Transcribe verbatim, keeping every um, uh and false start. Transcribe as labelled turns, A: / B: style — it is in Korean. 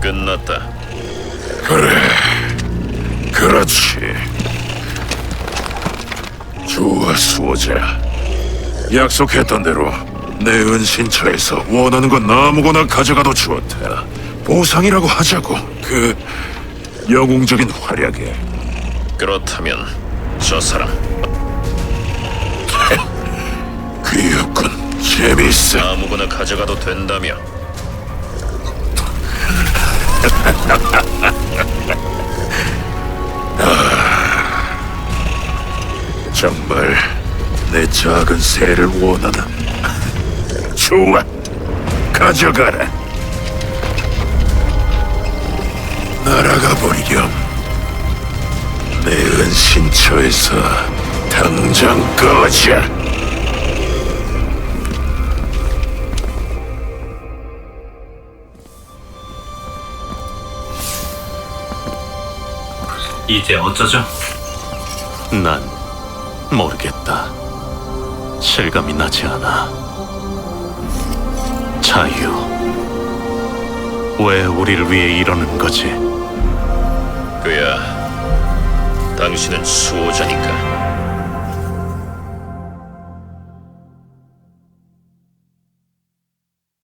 A: 끝났다.
B: 그래, 그렇지. 좋아, 수호자. 약속했던 대로 내 은신처에서 원하는 건 아무거나 가져가도 좋다. 보상이라고 하자고. 그 영웅적인 활약에.
A: 그렇다면 저 사람
B: 귀엽군. 재밌어.
A: 아무거나 가져가도 된다며.
B: 정말 내 작은 새를 원하나? 좋아, 가져가라. 날아가 버리렴. 내 은신처에서 당장 꺼져.
C: 이제 어쩌죠?
D: 난 모르겠다. 실감이 나지 않아. 자유. 왜 우리를 위해 이러는 거지?
A: 그야 당신은 수호자니까.